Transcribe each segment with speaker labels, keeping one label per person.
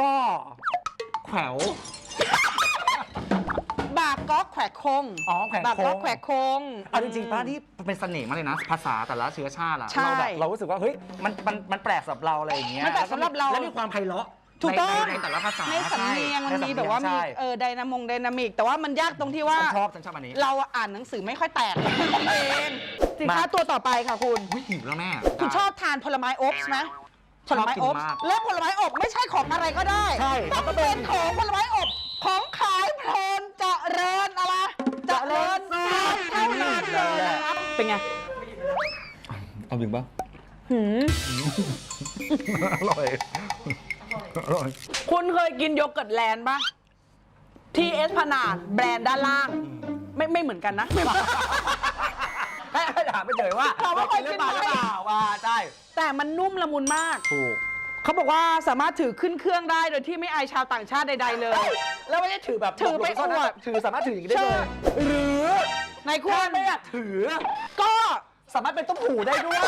Speaker 1: แขว
Speaker 2: บากก๊อกแขวกคง
Speaker 1: อ๋อแขวกคง
Speaker 2: บากก๊อกแขวกคง
Speaker 1: เอาจริงๆป้าที่เป็นเสน่ห์มากเลยนะภาษาแต่ละเชื้อชาติอะ
Speaker 2: ใช่
Speaker 1: เราแบบเรารู้สึกว่าเฮ้ยมันแปลกสำหรับเราอะไรอย่างเงี้ย
Speaker 2: มันแปลกสำหรับเรา
Speaker 1: แล้วมีความไพเราะ
Speaker 2: ถูกต้อง
Speaker 1: ในแต่ละภาษา
Speaker 2: ในสำเนียงมันมีแบบว่ามี
Speaker 1: ใช่
Speaker 2: ไดนามิกแต่ว่ามันยากตรงที่ว่า
Speaker 1: ฉันชอบอันนี้
Speaker 2: เราอ่านหนังสือไม่ค่อยแตกเองสินค้าตัวต่อไปค่ะคุณ
Speaker 1: อุ๊ยหิวแล้วแม่
Speaker 2: คุณชอบทานผลไม้อบใช่ไหมผลไม้อบ
Speaker 1: ชอบกินมาก
Speaker 2: และผลไม้อบไม่ใช่ของอะไรก็ได้
Speaker 1: ใช่
Speaker 2: ต้องเป็นของผลไม้อบของขายเพลินเจริญอะไรเจริญทรัพย์เท่านั้นเลยนะครับเป็นไง
Speaker 1: เอาจริงปะ
Speaker 2: หืม
Speaker 1: อร่อยอร่อย
Speaker 2: คุณเคยกินโยเกิร์ตแลนด์ปะทีเอสพนาดแบรนด์ด้านล่าง ไม่เหมือนกันนะ
Speaker 1: ให้ถามไปเฉยว่า
Speaker 2: ถามว่าเคยกินไหม
Speaker 1: หรือเปล่าว่าใช่
Speaker 2: แต่มันนุ่มละมุนมาก
Speaker 1: ถูก
Speaker 2: เขาบอกว่าสามารถถือขึ้นเครื่องได้โดยที่ไม่อายชาวต่างชาติใดๆเลย
Speaker 1: แล้วไม่ได้ถือแบบ
Speaker 2: ถือไป
Speaker 1: หลบๆซ่นๆ
Speaker 2: อวด
Speaker 1: ถือสามารถถืออย่างนี้ได้เลย
Speaker 2: ใช่
Speaker 1: หรือ
Speaker 2: ในคุ
Speaker 1: ถ้า
Speaker 2: ณ
Speaker 1: ไม่อยากถือ
Speaker 2: ก็
Speaker 1: สามารถเป็นต้มหูได้ด้วย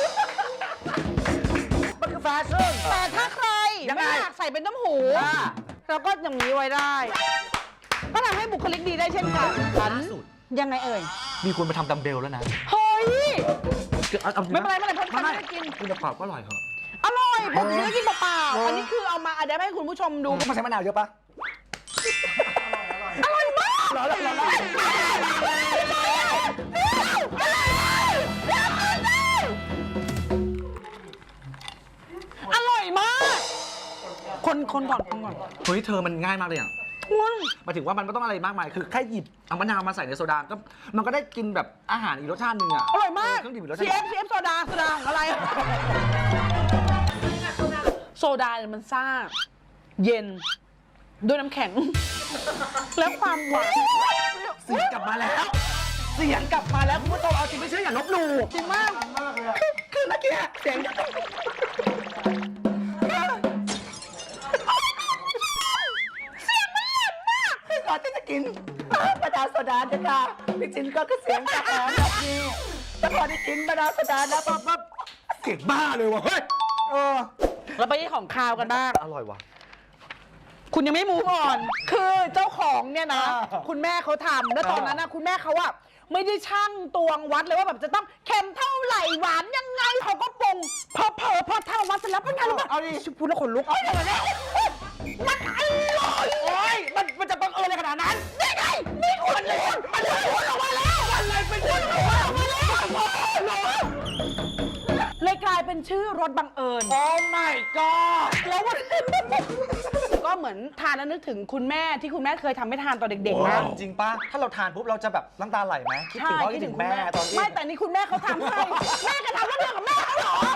Speaker 1: มันคือแฟชั่น
Speaker 2: แต่ถ้าใคร
Speaker 1: ยังไง
Speaker 2: ไม่อยากใส่เป็นต้มหู
Speaker 1: อ่า
Speaker 2: เราก็อย่างนี้ไว้ได้ ก็ทำให้บุคลิกดีได้เช่นกัน
Speaker 1: ล่าสุด
Speaker 2: ยังไงเอ่ย
Speaker 1: มีคนมาทำดัมเบลแล้วนะ
Speaker 2: เฮ้ย
Speaker 1: อาจงะ
Speaker 2: ไม่เป็นไรเพราะฉันไม่ได้กิน
Speaker 1: กินเปล่าก็อร่อยเหรอ
Speaker 2: อร่อยผมซื้อกินเปล่า
Speaker 1: เออ
Speaker 2: ๆ
Speaker 1: อั
Speaker 2: อันนี้คือเอามาอัดให้คุณผู้ชมดู
Speaker 1: มันใช้มะนาวเยอะปะ
Speaker 2: อร่อยมาก
Speaker 1: ร้อนร้อน
Speaker 2: อร่อยมาก คนก่อน
Speaker 1: เฮ้ยเธอมันง่ายมากเลยอ่ะ
Speaker 2: คุณ
Speaker 1: หมายถึงว่ามันไม่ต้องอะไรมากมาย คือแค่หยิบเอามะนาวมาใส่ในโซดาก็มันก็ได้กินแบบอาหารอีกรสชาติหนึ่งอ่ะ
Speaker 2: อร่อยมาก
Speaker 1: เครื่องดื่มอีกรสชาติ
Speaker 2: CF โซดาของอะไร โซดาเนี่ยมันซ่า เย็น ด้วยน้ำแข็ง แล้วความหวาน
Speaker 1: เสียงกลับมาแล้ว เสียงกลับมาแล้วคุณผู้ชมเอาจริงไม่เชื่ออย่าลบหลู่
Speaker 2: จริงมาก
Speaker 1: คือเมื่อกี้เสียงก่อนที่จะกินมะนาวโซดาจะค่ะพี่จินก็เสียงกระแหงแบบนี้แต่พอได้กินมะนาวโซดาแล้วปั๊บเสียงบ้าเลยว่ะเฮ้ย
Speaker 2: เราไปที่ของคาวกันบ้าง
Speaker 1: อร่อยว่ะ
Speaker 2: คุณยังไม่มูฟออน คือเจ้าของเนี่ยนะ
Speaker 1: อ่า
Speaker 2: คุณแม่เขาทำแล้วตอนนั้นนะคุณแม่เขาอะไม่ได้ช่างตวงวัดเลยว่าแบบจะต้องเค็มเท่าไหร่หวานยังไงเขาก็ปรุงพอทำวัดเสร็จแล้วเป็นไงรู้ป่ะ
Speaker 1: เอาดิ
Speaker 2: พูดแล้วขนลุกมันอร่อย
Speaker 1: โอ้ยมันจะบังเอิญอะไรขนาดนั้น
Speaker 2: นี่ไงนี่คุณเลยมันเลยพูดออกมาแล้วมันเลยเป็นชื่อพูดออกมาแล้วเลยกลายเป็นชื่อรสบังเอิญ
Speaker 1: โอ้ my god
Speaker 2: แล้ววันก็เหมือนทานแล้วนึกถึงคุณแม่ที่คุณแม่เคยทำให้ทานตอนเด็กๆนะ
Speaker 1: จริงป่ะ ถ้าเราทานปุ๊บเราจะแบบน้ำตาไหลไหมคิดถึงพ่อคิดถึงแม่ตอนที่
Speaker 2: ไม่แต่นี่คุณแม่เขาทำให้ แม่ก็ทำแล้วเรื่องกับแม่เขาเหรอ